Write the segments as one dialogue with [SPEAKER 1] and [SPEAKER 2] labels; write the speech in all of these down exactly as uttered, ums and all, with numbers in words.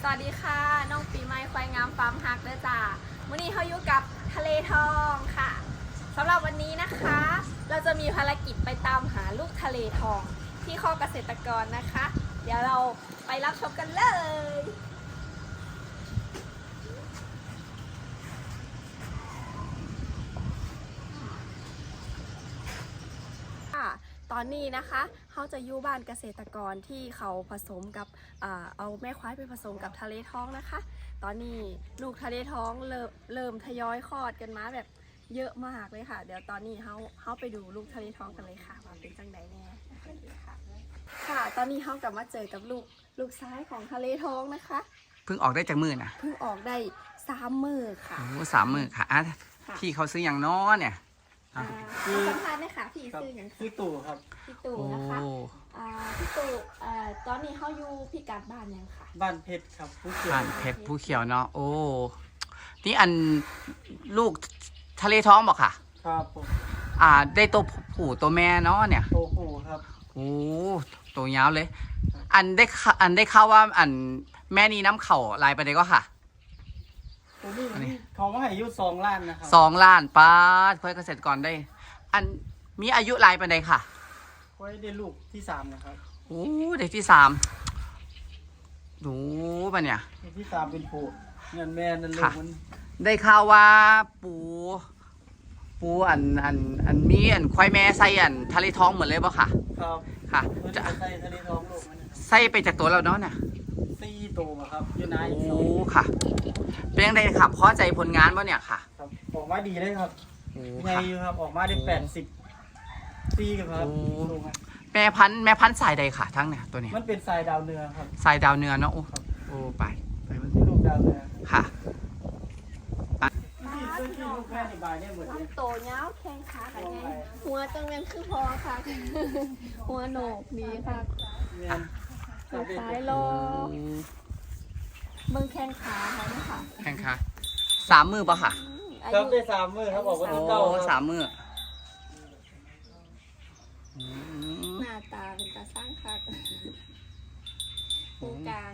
[SPEAKER 1] สวัสดีค่ะน้องปีใหม่ควายงามฟาร์มฮักเด้อจ้าวันนี้เขาอยู่กับทะเลทองค่ะสำหรับวันนี้นะคะ เราจะมีภารกิจไปตามหาลูกทะเลทองที่ข้อเกษตรกรนะคะ เดี๋ยวเราไปรับชมกันเลยตอนนี้นะคะเขาจะอยู่บ้านเกษตรกรที่เขาผสมกับเอาแม่ควายไปผสมกับทะเลท้องนะคะตอนนี้ลูกทะเลท้องเริ่มเริ่มทยอยคลอดกันมาแบบเยอะมากเลยค่ะเดี๋ยวตอนนี้เขาเขาไปดูลูกทะเลท้องกันเลยค่ะว่าเป็นจังไดแน่ค่ะค่ะตอนนี้เขากลับมาเจอกับลูกลูกซ้ายของทะเลท้องนะคะ
[SPEAKER 2] เพิ่งออกได้จากมือนะ
[SPEAKER 1] เพิ่งออกได้สามมือค่ะ
[SPEAKER 2] โอ้สามมือค่ะอ่ะพี่เขาซื้ออย่างน้อเนี่ย
[SPEAKER 1] คือสัมภาษณ์นะคะพี่ซื้ออย่าง
[SPEAKER 3] พี่ตู่ครับ
[SPEAKER 1] พี่ตู่นะคะพี่ตู่ตอนนี้เขาอยู่พี่กัดบ้านยังค่ะ
[SPEAKER 3] บ้านเพชรครับผู้เขียว
[SPEAKER 2] บ้านเพชรผู้เขียวเนาะโอ้นี่อันลูกทะเลท้องบอกค่ะ
[SPEAKER 3] ครับผม
[SPEAKER 2] อ่าได้ตัวผู้ตัวแม่เนาะเนี่ย
[SPEAKER 3] ตัวผู้ครับ
[SPEAKER 2] โอ้ตัวยาวเลยอันได้อันได้ข่าวว่าอันแม่นี้น้ำเข่าลายไปเลยก็ค่ะ
[SPEAKER 3] ตัวนี้เขาว่าอายุสองล้านนะครับ
[SPEAKER 2] สองล้านป้าค่อยเกษตรกรได้ อันมีอายุลายไปเลยค่ะ
[SPEAKER 3] ค่อยได้ลูกที่สามนะครับ
[SPEAKER 2] โอ้เด็กที่สามดูป่ะเนี่ย
[SPEAKER 3] เด็กที่สามเป็นผู้เงินแม่นั่นลูกมัน
[SPEAKER 2] ได้ข่าวว่าปูปูอันอันอันมีอันควายแม่ใส่อันทะเลท้องเหมือนเลยป่ะค่ะ
[SPEAKER 3] ครับ
[SPEAKER 2] ค่ะ
[SPEAKER 3] จะใส่ทะเลท้องลูกมัน
[SPEAKER 2] ใส่ไปจากตัวเราเนาะเนี่ย
[SPEAKER 3] สี่ตัวครับยูนาย
[SPEAKER 2] โอ้ค่ะเป็นยังไงครับพอใจผลงานป่ะเนี่ยค่ะ
[SPEAKER 3] ครับออกมาดีเลยครับไงอยู่ครับออกมาได้แปดสิบปีกันครับ
[SPEAKER 2] แม่พันธุ์แม่พันธุ์สายใดค่ะทั้งเนี่ยตัวนี้
[SPEAKER 3] มันเป็นสายดาวเนื้อครับ
[SPEAKER 2] สายดาวเนื้อเนาะโอ้โอ้ไปไปมัน
[SPEAKER 3] ลูกดาวเนื้อ
[SPEAKER 2] ค่ะ
[SPEAKER 1] มันโตเงาแข้งขากันไงหัวจังเวียนคือพอค่ะหัวโหนกดีค่ะสายโลเบิ่งแข้งขาเขาเนี่ยค่ะ
[SPEAKER 2] แข้งขาสามมือป่ะค่ะ
[SPEAKER 3] ครับได้สามมือครับบอกว่า
[SPEAKER 2] โอ้สามมือ
[SPEAKER 1] หน้าตาเป็นตาสร้างคักตรงกลาง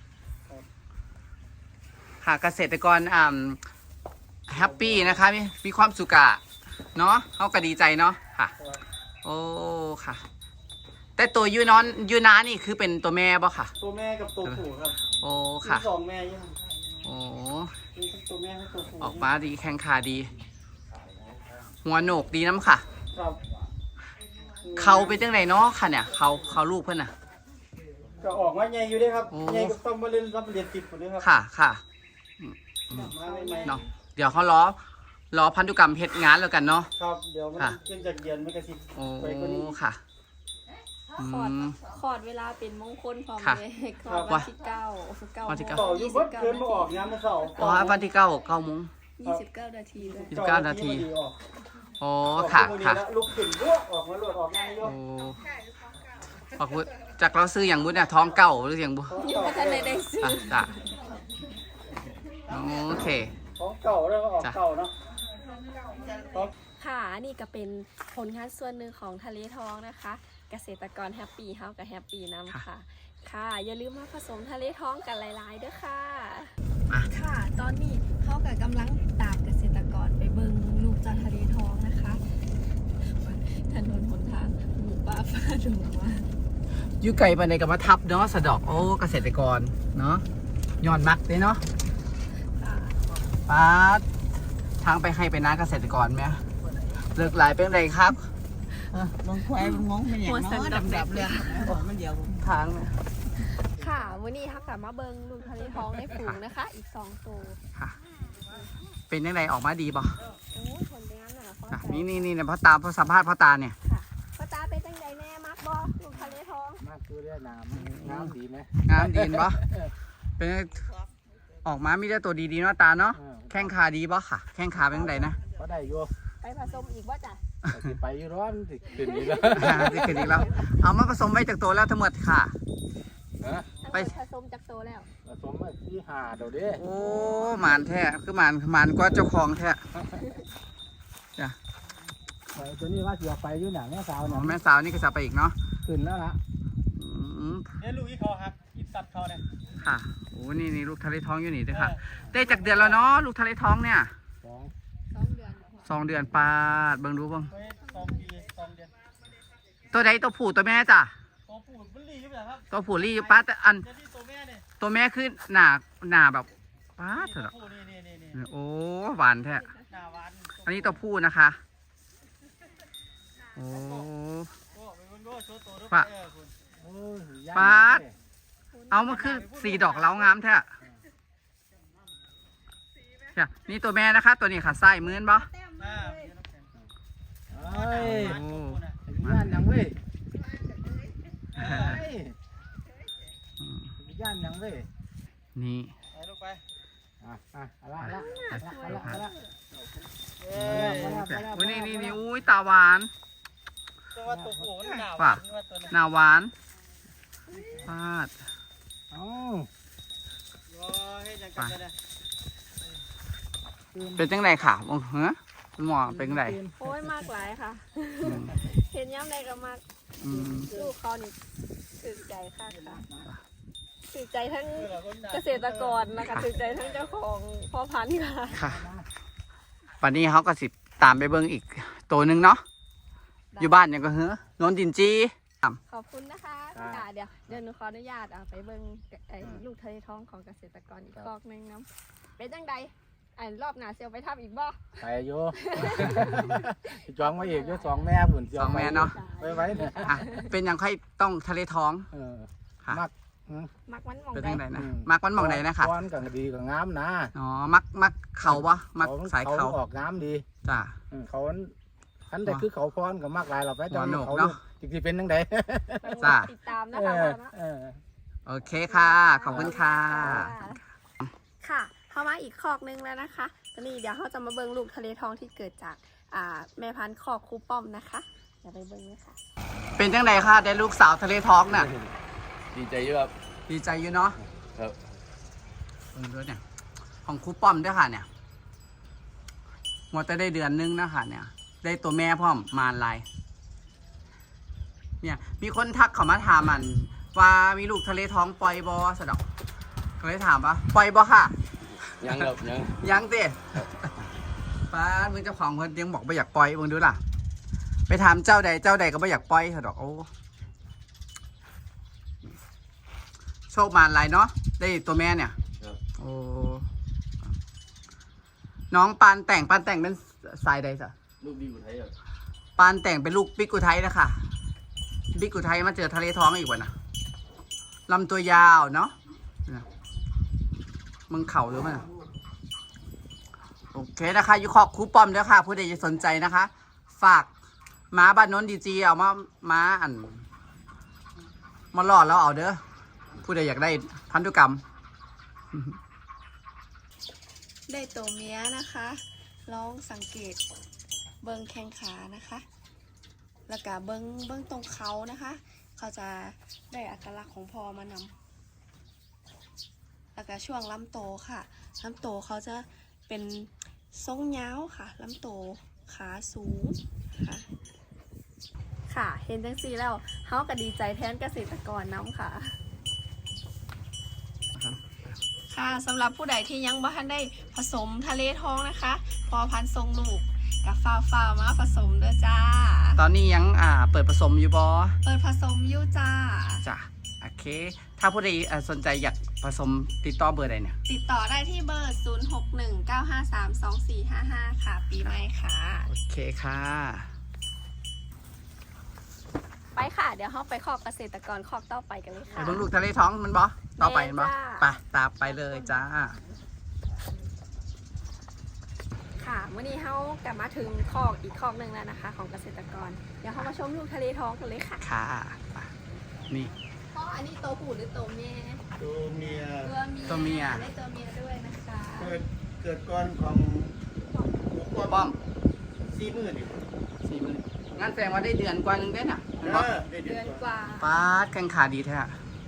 [SPEAKER 2] ค่ะเกษตรกรอ่าแฮปปี้นะคะมีมีความสุขอะเนาะเขาก็ดีใจเนาะค่ะโอ้ค่ะแต่ตัวยูนอนยูนานี่คือเป็นตัวแม่ป่ะค่ะ
[SPEAKER 3] ตัวแม่กับตัวผู้ครับ
[SPEAKER 2] โอ้ค่ะ
[SPEAKER 3] สองแม่ยัง
[SPEAKER 2] โอ้
[SPEAKER 3] ตัวแม่กับตัวผู้
[SPEAKER 2] ออกมาดีแข้งขาดีหัวโหนกดีน้ำค่ะ
[SPEAKER 3] ครับ
[SPEAKER 2] เขาเป็นจังไหนเนาะค่ะเนี่ยเขาเขาลูกเพื่อนน่ะ
[SPEAKER 3] ก็ออกมาใหญ่อยู่ด้วยครับใหญ่ก็ต้องมาเล่นรับเรียนติดหมดเลยครับ
[SPEAKER 2] ค่ะค่ะเนาะเดี๋ยวเขาล้อล้อพันธุกรรมเพชรงานแล้วกันเนาะ
[SPEAKER 3] ครับเดี๋ยวมันเชื่อจากเย็นไม่กระสิบ
[SPEAKER 2] โอ้ค่ะ
[SPEAKER 1] ขอดขอดเวลาเป็นมงคลพร้อมเลยขอดวันที่เก้าเก้าโมง
[SPEAKER 3] ต่อยุบเกินมาออกงานมาเสาร์
[SPEAKER 2] อ๋อวันที่เก้าเก้าโมง
[SPEAKER 1] ยี่สิบเก้านาทีเลย
[SPEAKER 2] ยี่สิบเก้านาทีโอ้ค่ะค่ะ
[SPEAKER 3] ลูกขึ้นลวกออกมาลวกออกง่ายลวก
[SPEAKER 2] โอ้จากเราซื้ออย่างบุญเนี่ยท้องเก่าหรืออย่างบุญ
[SPEAKER 1] ยังไม่ทันได้ซื้อ
[SPEAKER 2] จ้ะโอเค
[SPEAKER 3] ท้องเก่าแล้วออกเก่าเนาะ
[SPEAKER 1] ค่ะนี่ก็เป็นผลงานส่วนหนึ่งของทะเลทองนะคะเกษตรกรแฮปปี้เฮากับแฮปปี้น้ำค่ะค่ะอย่าลืมมาผสมทะเลท้องกันหลายๆด้วยค่ะค่ะตอนนี้เขากับกำลังตามเกษตรกรไปเบิ่งลูกจากทะเลทองนะคะถนนหนทางหมู่ป่าฟ้าดงว่า
[SPEAKER 2] อยู่ไกลไปในกับมาทับเนาะสะดอกโอ้เกษตรกรเนาะย้อนมักเลยเนาะป้าทางไปให้ไปนะเกษตรกรไหมเลิกหลายเป็นไรครับ
[SPEAKER 4] บางควายบางงงเป็นอย่างน้อยดำๆเลยมันเดียว
[SPEAKER 2] ทางเนี่ย
[SPEAKER 1] ค่ะวันนี้ทักกลับมาเบิ้งลูกทะเลท้องในฝูงนะคะอีกสองตัว
[SPEAKER 2] ค่ะเป็นยังไงออกมาดีป่ะ
[SPEAKER 1] โอ้ผลเป็นงั้นเหรอพ่อ
[SPEAKER 2] นี่นี่นี่เนี่ยพ่อตาพ่อสัมภาษณ์พ่อตาเนี่ย
[SPEAKER 1] ค่ะพ่อตาเป็นจังไงแน่มักบ่ลูกทะเลท้อง
[SPEAKER 4] มากคือเรื่องน้ำน้ำดีไหม
[SPEAKER 2] น้ำดีป่ะเป็นออกมามีแต่ตัวดีๆเนาะตาเนาะแข้งขาดีป่ะค่ะแข้งขาเป็นยังไงนะ
[SPEAKER 4] ก็ได้อยู่
[SPEAKER 1] ไปผสมอีกว่าจ้ะ
[SPEAKER 4] ไปอยู่ร้อนติดขึ้นอีกแล้ว
[SPEAKER 2] ติดขึ้นอีกแล้วเอามาผสมไว้จากตัวแล้วทั้งหมดค่ะ
[SPEAKER 1] ไปผสมจากตัวแล้ว
[SPEAKER 4] ผสมที่หาเดี๋ยวดิ
[SPEAKER 2] โอ้หมานแท้คือหมานหมานก็เจ้าของแท้จ้ะ
[SPEAKER 4] ตัวนี้ว่าเสียไปอยู่หนังแม่สาวเนี่ย
[SPEAKER 2] แม่สาวนี่ก็จะไปอีกเนาะ
[SPEAKER 4] ขึ้นแล้วละ
[SPEAKER 3] เนี่ยลูกอีกเขาครับอีกสัตว์เขาเนี่ย
[SPEAKER 2] ค่ะโอ้นี่นี่ลูกทะเลท้องอยู่นี่ด้วยค่ะ ได้จากเดือนแล้วเนาะลูกทะเลท้องเนี่ย
[SPEAKER 3] สอง
[SPEAKER 1] สองเดือน
[SPEAKER 2] สองเดือนปาดเบิ่งดูเบิ่ง
[SPEAKER 3] เฮ้ยสองปีสองเดือน
[SPEAKER 2] ตัวใดตัวผู้ตัวแม่จ้ะ
[SPEAKER 3] ตัวผู้มันรีบเลยครับ
[SPEAKER 2] ตัวผู้รีอยู่ป้าแต่อัน
[SPEAKER 3] เดี๋ยวที่ตัวแม่เนี่ย
[SPEAKER 2] ตัวแม่คือหนาหนาแบบป้าดเถ
[SPEAKER 3] ตัว
[SPEAKER 2] อะ
[SPEAKER 3] ผู้นี่นี่นี่นี่
[SPEAKER 2] โอ้หวานแท้
[SPEAKER 3] หน้าหวาน
[SPEAKER 2] อันนี้ตัวผู้นะคะโอ้
[SPEAKER 3] โอ้เป็นคนโง่โชว์ตัวด้วย
[SPEAKER 2] ปะ
[SPEAKER 3] เออคุณโอ้ย
[SPEAKER 2] ปาด เอามาคือสีดอกเล้างามแท้เนี่ยนี่ตัวแม่นะคะ ตัวนี้ค่ะไส้มื้นบ่
[SPEAKER 3] อ่า
[SPEAKER 4] เอ้ย
[SPEAKER 3] หวานตัวผู้น่ะ
[SPEAKER 4] ย่านยังเว้ย
[SPEAKER 2] อืม
[SPEAKER 4] ย่านยังเว้ย
[SPEAKER 2] นี่
[SPEAKER 3] ไปลูกไป
[SPEAKER 4] อ่ะอ่ะเอาละเอาละเอาละเอาละ
[SPEAKER 3] เอ้ย
[SPEAKER 2] โอ้ยนี่นี่นี่อุ้ยตาหวาน
[SPEAKER 3] ตัวว่าตัวผู้มันหน้าห
[SPEAKER 2] ว่ะ
[SPEAKER 3] วานว่าตัวนั้น
[SPEAKER 2] หน้าหวานปาด
[SPEAKER 4] เอา
[SPEAKER 3] รอให้ยังกันเลย
[SPEAKER 2] เป็นจังไดค่ะโอ้เหรอคุณหมอเป็นจังได
[SPEAKER 1] โอ้ยมากหลายค่ะ
[SPEAKER 2] อืม
[SPEAKER 1] เห็นย้ำใดก็มาก
[SPEAKER 2] อืม
[SPEAKER 1] ลูกเขานี่ตื่นใจค่ะค่ะตื่นใจทั้ง
[SPEAKER 3] คือเราคนหน้า
[SPEAKER 1] เกษตรกรนะคะตื่นใจทั้งเจ้าของพ่อพันธุ์ค่ะ
[SPEAKER 2] ค่ะวันนี้เขาก็สิตามไปเบิ่งอีกตัวหนึ่งเนาะอยู่บ้านยังก็เฮ้อนนดินจี
[SPEAKER 1] ขอบคุณนะคะค่ะเดี๋ยวเดี๋ยวหนูขออนุญาตอ่ะไปเบิ่งไอ้ลูกทะเลท้องของเกษตรกรอีกกอกหนึงน้ำเป็นจังใดอันรอบหน้าเซียวไปทับอีกบ่
[SPEAKER 4] ไปอยู่ จองมาอีกอยู่สองแม่ผุน
[SPEAKER 2] สองแม่เนาะ
[SPEAKER 4] ไว้ไว้เนี่ย
[SPEAKER 2] อ่ะเป็นยังค่อยต้องทะเลท้อง
[SPEAKER 4] เออ
[SPEAKER 2] ค่ะ
[SPEAKER 4] มัก
[SPEAKER 1] มักมันหมอง
[SPEAKER 2] เป็น
[SPEAKER 1] ใด
[SPEAKER 2] จังไดนะ
[SPEAKER 4] อืม
[SPEAKER 2] มักมันหมองไหนนะคะ
[SPEAKER 4] ก้อนกับดีกับงามนะ
[SPEAKER 2] อ๋อมักมักเขาปะมักสายเขา
[SPEAKER 4] ออกงามดี
[SPEAKER 2] จ้ะ
[SPEAKER 4] อืมเขาอันใดคือเขาพรกับมากหลายเราไปจอง
[SPEAKER 2] หัวโหนก
[SPEAKER 4] เขา
[SPEAKER 2] เนาะ
[SPEAKER 4] จริงๆเป็นยังไง
[SPEAKER 2] จ้ะ
[SPEAKER 1] ติดตามนะ
[SPEAKER 4] เอ
[SPEAKER 1] คะ
[SPEAKER 4] อ
[SPEAKER 1] ว่าเนาะ
[SPEAKER 4] เออ
[SPEAKER 2] โอเคค่ะ ขอบคุณค่ะ
[SPEAKER 1] ค่ะ เข้ามาอีกคอกนึงแล้วนะคะตอนนี้เดี๋ยวเขาจะมาเบิ่งลูกทะเลทองที่เกิดจากอ่าแม่พันธุ์คอกคูป้อมนะคะเดี๋ยวไปเบิ่งเลยค่ะ
[SPEAKER 2] เป็นจังไดค่ะได้ลูกสาวทะเลท้องน่ะ
[SPEAKER 5] ดีใจอยู่ครับ
[SPEAKER 2] ดีใจอยู่เนาะ
[SPEAKER 5] ครับ
[SPEAKER 2] เออด้วยเนี่ย ของครูป้อมด้วยค่ะเนี่ยหมดจะได้เดือนนึงนะค่ะเนี่ย ได้ตัวแม่พร้อมมารลาย เนี่ย มีคนทักเขามาถามมัน ว่ามีลูกทะเลท้องปล่อยบอสะดอกก็เลยถามว่าปล่อยบอค่ะ
[SPEAKER 5] ยังครับยัง
[SPEAKER 2] ยังสิป้ามึงเจ้าของเพิ่นยังบอกไม่อยากปล่อยมึงดูล่ะ ไปถามเจ้าใดเจ้าใดก็ไม่อยากปล่อยสะดอกโอ้โชคมารลายเนาะได้ตัวแม่เนี่ย
[SPEAKER 5] ครับ
[SPEAKER 2] โอ้ น้องปานแต่งปานแต่งเป็นสายใดสะ
[SPEAKER 5] ลูกดีอยู่ไทยครับ
[SPEAKER 2] ปานแต่งเป็นลูกบิ๊กอุทัยนะคะบิ๊กอุทัยมาเจอทะเลท้องอีกวันนะลำตัวยาวเนาะเนี่ยมึงเข่าหรือมันอะโอเคนะคะอยู่ขอบครูปอมเด้อค่ะ ผู้ใดจะสนใจนะคะ ฝากม้าบ้านโน้นดีจีเอามาม้าอัน มาหลอดแล้วเอาเด้อ ผู้ใดอยากได้พันธุกรรม
[SPEAKER 1] ได้ตัวเมียนะคะ ลองสังเกตเบิ้งแข้งขานะคะ แล้วก็เบิ้งเบิ้งตรงเขานะคะ เขาจะได้อัตลักษณ์ของพอมานำแล้วก็ช่วงลำโตค่ะลำโตเขาจะเป็นทรงยาวค่ะลำโตขาสูงค่ะ ค่ะ เห็นจังสีแล้วเขาก็ดีใจแทนเกษตรกรน้ำค่ะ ค่ะสำหรับผู้ใดที่ยังบ่ทันได้ผสมทะเลทองนะคะ พอพันธุ์ทรงลูกกับฟ้าวฟ้าวมาผสมด้วยจ้า
[SPEAKER 2] ตอนนี้ยังอ่าเปิดผสมอยู่บอ
[SPEAKER 1] เปิดผสมอยู่จ้า
[SPEAKER 2] จ้ะโอเค ถ้าผู้ใดอ่าสนใจอยากผสมติดต่อเบอร์ใดเนี่ย
[SPEAKER 1] ติดต่อได้ที่เบอร์ ศูนย์ หก หนึ่ง เก้า ห้า สาม สอง สี่ ห้า ห้า ค่ะ ปีใหม่ค่ะ
[SPEAKER 2] โอเคค่ะ
[SPEAKER 1] ไปค่ะ เดี๋ยวเราไปขอบเกษตรกรขอบต่อไปกันเลย
[SPEAKER 2] ไป
[SPEAKER 1] ค่ะ
[SPEAKER 2] เบิ่งลูกทะเลท้องมันบอต่อไปมันบอ
[SPEAKER 1] แม่จ้า
[SPEAKER 2] ไปตามไปเลยจ้า
[SPEAKER 1] ค่ะวันนี้เรากลับมาถึงคอกอีกคอกหนึ่งแล้วนะคะ ของเกษตรกร เดี๋ยวเรามาชมลูกทะเลท้องกันเลยค่ะ
[SPEAKER 2] ค่ะไปนี่
[SPEAKER 1] พ่ออันนี้โตวผู้หรือโตวแม่
[SPEAKER 3] ตัวเมีย
[SPEAKER 1] ตัวเมีย
[SPEAKER 2] ตัวเมีย
[SPEAKER 1] ได้ตัวเมียด้วยนะคะ
[SPEAKER 3] เกิดเกิดก่อนของ
[SPEAKER 2] ป้อม
[SPEAKER 3] สี่หมื่นดิ
[SPEAKER 2] สี่หมื่นงั้นแสดงว่าได้เดือนกว่านึงได้น่ะ
[SPEAKER 3] เอ
[SPEAKER 2] เห็นปะ
[SPEAKER 3] อได้เดื
[SPEAKER 1] เดื
[SPEAKER 3] อ
[SPEAKER 1] อน น
[SPEAKER 3] ก
[SPEAKER 1] ก
[SPEAKER 3] ว่า
[SPEAKER 1] ว่า
[SPEAKER 2] ป้าดแข้งขาดีแท้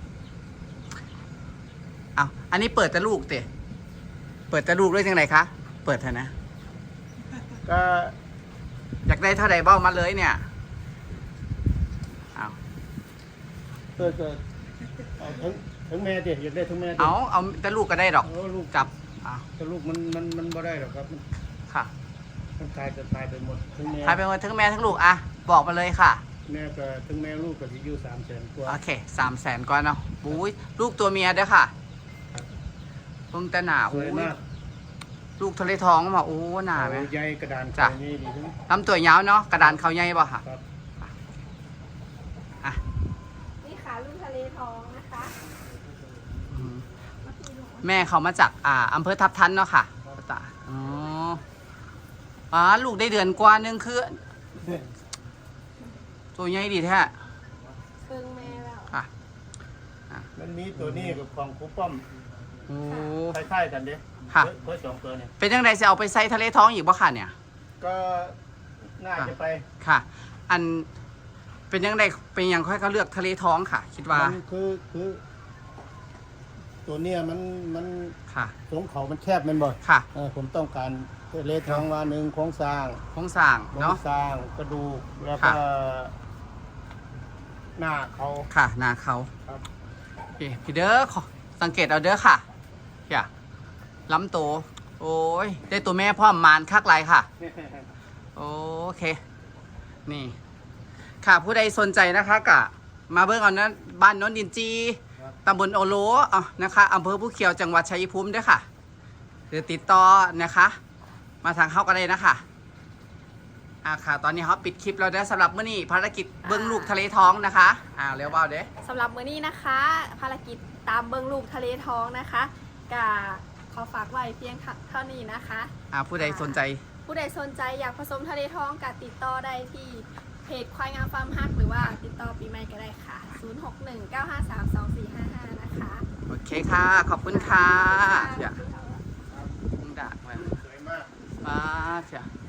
[SPEAKER 2] เอาอันนี้เปิดแต่ลูกเตะเปิดแต่ลูกด้วยจังไรคะ เปิดเถอะนะ
[SPEAKER 3] ก็
[SPEAKER 2] อยากได้เท่าใดเบ้ามาเลยเนี่ยเอา
[SPEAKER 3] เกิดเกิดเอาถึง
[SPEAKER 6] ถึงแม่เด็กอยากได้ถึงแม่
[SPEAKER 2] เอาเอาแต่ลูกก็ได้ดอก
[SPEAKER 6] เออลูก
[SPEAKER 2] จับอ่ะ
[SPEAKER 6] แต่ลูกมันมันมันบ่ได้หรอกครับมัน
[SPEAKER 2] ค่ะ
[SPEAKER 6] มันตายจะตายไปหมดถึงแม่
[SPEAKER 2] ใครเป็นคนทั้งแม่ทั้งลูกอ่ะบอกมาเลยค่ะ
[SPEAKER 6] แม่ก็ถึงแม่ลูกก็สิอยู่สามแสนกว่า
[SPEAKER 2] โอเคสามแสนก่อนเนาะบุ้ยลูกตัวเมียเด้อค่ะเพิ่งแต่หนา
[SPEAKER 6] ส
[SPEAKER 2] อุ้
[SPEAKER 6] วย
[SPEAKER 2] ย
[SPEAKER 6] มาก
[SPEAKER 2] ลูกทะเลท้องมาโอ้หนาไหม
[SPEAKER 6] เอใหญ่กระดาน
[SPEAKER 2] จ้ะ
[SPEAKER 6] นี่ดีถึง
[SPEAKER 2] ลำตัวยาวเนาะกระดานเขาใหญ่ป่ะค่ะ
[SPEAKER 6] ครับ
[SPEAKER 2] อ่ะ
[SPEAKER 1] นี่ค่ะลูกทะเลทองนะคะ
[SPEAKER 2] อืมแม่เขามาจากอ่าอำเภอทับทันเนาะค่ะจ้ะอ๋ออ๋อลูกได้เดือนกว่านึงคือตัวใหญ่ดีแท้
[SPEAKER 1] เพิ่งแม่แล้ว
[SPEAKER 2] ค่ะ
[SPEAKER 6] มันมีตัวนี้กับของครูป้อม
[SPEAKER 2] โอ้
[SPEAKER 6] คล้ายๆกันเด้
[SPEAKER 2] ค่ะ
[SPEAKER 6] เพื่อสองตัวเนี่ย
[SPEAKER 2] เป็นยังไงจะเอาไปใส่ทะเลท้องอีกบ่ค่ะเนี่ย
[SPEAKER 6] ก็น่าจะไป
[SPEAKER 2] ค่ะ อันเป็นยังไงเป็นยังค่อยเขาเลือกทะเลท้องค่ะ คิดว่า
[SPEAKER 6] มันคือคือ ตัวเนี้ยมันมัน
[SPEAKER 2] ค่ะ
[SPEAKER 6] สงเขามันแคบแมันบ่
[SPEAKER 2] ค่ะ
[SPEAKER 6] เออผมต้องการเลทองว่าหนึ่งโครงสร้าง
[SPEAKER 2] โครงสร้าง
[SPEAKER 6] โครง
[SPEAKER 2] เนาะ
[SPEAKER 6] สร้างกระดูกแล้ว
[SPEAKER 2] ค่ะ
[SPEAKER 6] ก็หน้าเขา
[SPEAKER 2] ค่ะหนาเขา
[SPEAKER 6] ครับ
[SPEAKER 2] โอเคพี่เด้อขอสังเกตเอาเด้อค่ะอย่าล้ำโตวโอ้ยได้ตัวแม่พ่อมมานคักไรค่ะ โอเค นี่ ค่ะผู้ใดสนใจนะคะกะมาเบิ่งเอานะบ้านโนนดินจีตำบลโอโลอ่ะนะคะอำเภอผู้เขียวจังหวัดชัยภูมิด้วยค่ะหรือติดต่อนะคะ มาทางเข้ากันเลยนะคะอ่าค่ะ ตอนนี้เขาปิดคลิปแล้วนะสำหรับมื้อนี้ภารกิจเบิ้งลูกทะเลท้องนะคะอ่าเร็วเบาเด้
[SPEAKER 1] สำหรับมื้อนี้นะคะ ภารกิจตามเบิงลูกทะเลทองนะคะกะขอฝากไว้เพียงเท่านี้นะคะ
[SPEAKER 2] อ่าผู้ใดสนใจ
[SPEAKER 1] ผู้ใดสนใจอยากผสมทะเลทองกะติดต่อได้ที่เพจควายงามฟาร์มฮักหรือว่าติดต่อปีใหม่ก็ได้ค่ะ ศูนย์ หก หนึ่ง เก้า ห้า สาม สอง สี่ ห้า ห้า นะคะ
[SPEAKER 2] โอเคค่ะ ขอบคุณค่ะ
[SPEAKER 1] ขอบ
[SPEAKER 2] อย่า
[SPEAKER 1] คุณค่ะ
[SPEAKER 2] ด่ามา
[SPEAKER 6] สวยมาก
[SPEAKER 2] มาจ้ะ